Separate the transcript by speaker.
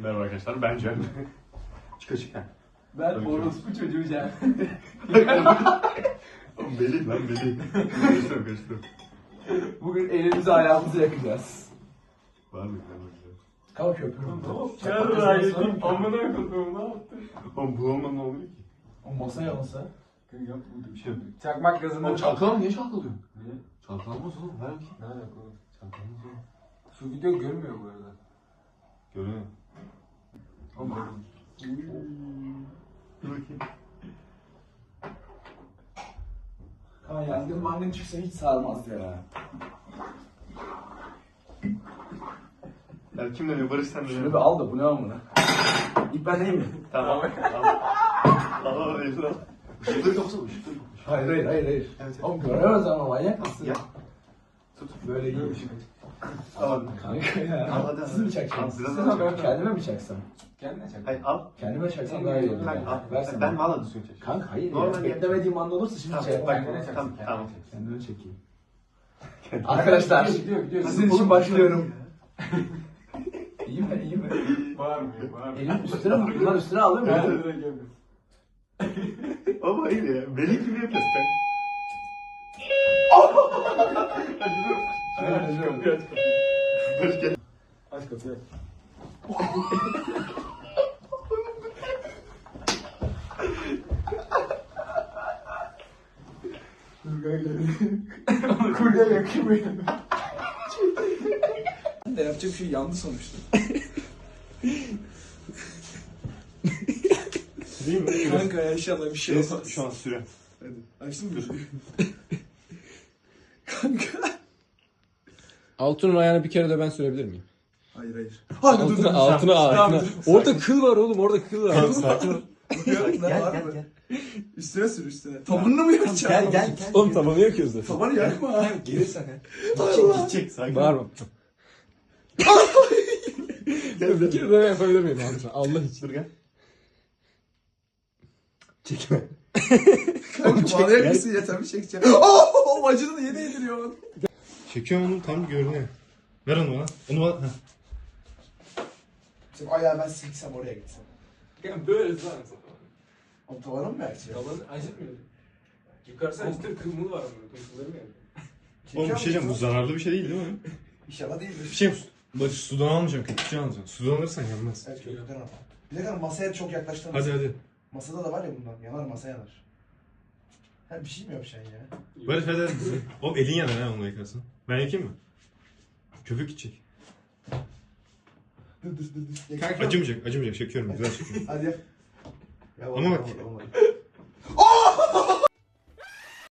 Speaker 1: Merhaba arkadaşlar, ben Cem. Çık.
Speaker 2: Ben orospu çocuğu Cem.
Speaker 1: Beli lan beli. Karıştırıyorum.
Speaker 2: Bugün elimizi ayağımızı yakacağız.
Speaker 1: Var mı?
Speaker 2: Kalk köpüğüm.
Speaker 3: Yarrağı yedim. Amına koduğum ne yaptın?
Speaker 1: Oğlum bu olmadan ne oluyor ki?
Speaker 2: O masa yansa.
Speaker 3: Yok burada bir şey yok.
Speaker 2: Çakmak gazını.
Speaker 1: Oğlum çalkalama niye çalkalıyorsun?
Speaker 3: Niye?
Speaker 1: Çalkalamaz oğlum, ver bakayım.
Speaker 3: Ne alaka oğlum?
Speaker 1: Çalkalamaz oğlum.
Speaker 3: Şu video görmüyor bu arada.
Speaker 1: Görüyor.
Speaker 3: Ama
Speaker 1: Dur bakayım.
Speaker 2: Kaan yangın mangın çıksa hiç sarmaz ya.
Speaker 1: Ya kim dönüyor? Barış sen
Speaker 2: Şunu
Speaker 1: dönüyor.
Speaker 2: bir al da bu ne amına. İlk ben değil mi?
Speaker 1: Tamam. Al Resul al. Işıkları yoksa ışıkları yok.
Speaker 2: Hayır.
Speaker 1: Evet.
Speaker 2: Oğlum göremez ama manyak mısın?
Speaker 1: Ya.
Speaker 2: Böyle iyi.
Speaker 1: Al.
Speaker 2: Kanka ya.
Speaker 1: Al, hadi.
Speaker 2: Siz mi çakacaksınız?
Speaker 1: Al, biraz
Speaker 2: Sen
Speaker 1: daha
Speaker 2: abi, kendime mi çaksam?
Speaker 3: kendine çak.
Speaker 1: Hayır al.
Speaker 2: Kendime çaksam daha iyi olur.
Speaker 1: Hayır al.
Speaker 2: Versene.
Speaker 1: Ben valla düzgün çek.
Speaker 2: Kanka hayır
Speaker 1: Normal
Speaker 2: ya.
Speaker 1: yap.
Speaker 2: Beklemediğim anda olursa şimdi
Speaker 1: Tamam,
Speaker 2: şey
Speaker 1: bak,
Speaker 2: yapamam.
Speaker 3: Kendine
Speaker 1: tamam,
Speaker 3: çaksın,
Speaker 1: tamam.
Speaker 2: Kendime çekeyim. Arkadaşlar
Speaker 3: Gidiyor.
Speaker 2: sizin için başlıyorum. İyi mi?
Speaker 3: Bağırmıyor.
Speaker 2: Elim üstüne mi? Bunlar üstüne alıyor mu?
Speaker 3: Ben de direkt yapıyorum.
Speaker 1: Ama hayır ya. Beli gibi yapıyorsun sen. Barış gel.
Speaker 3: Aç kapıyı aç.
Speaker 2: Kurye yakıyor beni. Ben de yapacak bir şey yandı sonuçta.
Speaker 1: Değil mi?
Speaker 2: Kanka ya inşallah bir şey olmaz.
Speaker 1: Şu an süre.
Speaker 2: Açtın mı? Kanka.
Speaker 4: Altun'un ayağını bir kere de ben sürebilir miyim?
Speaker 2: Hayır.
Speaker 4: Altına. Orada kıl var oğlum, orada kıl var.
Speaker 1: Sakin ol.
Speaker 2: Gel. Üstüne sür üstüne. Tabanını mı yakacaksın?
Speaker 1: Gel.
Speaker 4: Oğlum tabanı yakıyoruz da.
Speaker 2: Tabanı yakma.
Speaker 1: Gelirsen. Gidecek sakin.
Speaker 4: Bağırma. Bir kere daha yapabilir miyim Altun? Allah için.
Speaker 1: Dur gel.
Speaker 4: Çekme.
Speaker 2: Kanka bana yakmışsın ya tabii çekeceğim. O acını yeni yediriyor.
Speaker 1: Çekiyorum onu tam görünüyor. Ver onu bana. Onu bana. Heh.
Speaker 2: Sen ayağı ben silksem oraya gitsem.
Speaker 3: Yani böyle lan.
Speaker 2: Oğlum tavana mı yakacağım?
Speaker 3: Yalan acıtmıyor. Yukarısı acıtır kırmızı var ama. Kırmızıları mı yani?
Speaker 1: Oğlum bir şey diyeceğim, bu zararlı bir şey değil mi?
Speaker 2: İnşallah değildir.
Speaker 1: Bir şey Barış sudan almayacağım, köpükçe alacağım. Sudan alırsan yanmaz.
Speaker 2: Evet köpükten al. Bir dakika masaya çok yaklaştınız.
Speaker 1: Hadi.
Speaker 2: Masada da var ya bundan. Yanar masa yanar. Ha bir şey mi yapacaksın ya?
Speaker 1: Barış hadi. Oğlum elin yanar ha onu yakarsın. Ben yakayım mı? Köpük gidecek.
Speaker 2: Dur.
Speaker 1: Acımayacak. Çekiyorum. Güzel çekiyorum.
Speaker 2: Hadi yap. Ya,
Speaker 1: Ama bak.
Speaker 2: olmadı.